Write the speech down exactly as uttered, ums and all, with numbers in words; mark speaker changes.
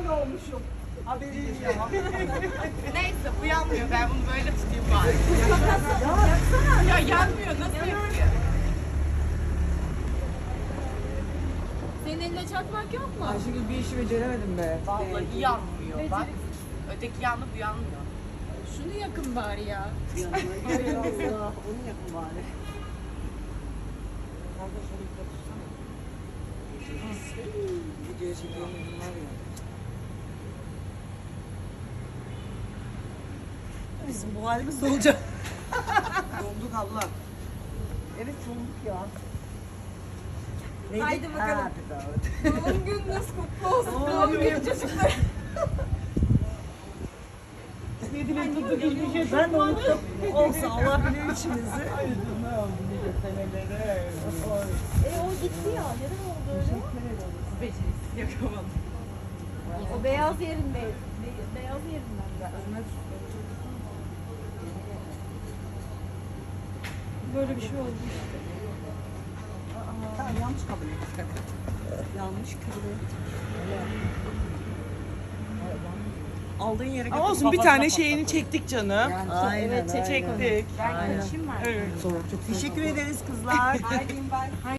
Speaker 1: olmuşum. Haberim yok.
Speaker 2: Neyse bu yanmıyor. Ben bunu böyle tutayım bari. Ya yanmıyor. Nasıl yapıyor?
Speaker 3: Senin elinde çakmak yok mu?
Speaker 1: Ayşegül bir işi beceremedim be.
Speaker 2: Vallahi yanmıyor. Bak. Öteki yandı bu yanmıyor.
Speaker 3: Şunu yakın bari ya.
Speaker 1: Allah, onu yapın bari. Videoya çekiyorum var ya. Bizim bu halimiz de olacak. Donduk Allah. Evet donduk ya. Neydi?
Speaker 3: Haydi bakalım.
Speaker 1: Happy birthday.
Speaker 3: Doğum gününüz kutlu olsun.
Speaker 1: Doğum
Speaker 3: Doğum
Speaker 1: günü.
Speaker 3: günü çocuklar.
Speaker 1: Ben de unuttum. Olsa Allah bilir içimizi.
Speaker 3: E o gitti ya. Neden oldu öyle?
Speaker 2: Beceriksiz yakamadım.
Speaker 3: O beyaz yerinde. Be- beyaz yerinden de. Böyle bir şey oldu.
Speaker 1: Tamam yanlış kabul ettik. Yanlış kabul ettik. Aldığın yere götür.
Speaker 4: Olsun bir
Speaker 1: kafasına
Speaker 4: tane
Speaker 1: patlat.
Speaker 4: şeyini çektik canım.
Speaker 1: Aynen,
Speaker 3: Evet,
Speaker 1: aynen.
Speaker 4: Çektik.
Speaker 2: Ben
Speaker 1: Aynen.
Speaker 2: kaçayım mı?
Speaker 4: Evet.
Speaker 1: Teşekkür ederiz kızlar.
Speaker 2: Haydi ben.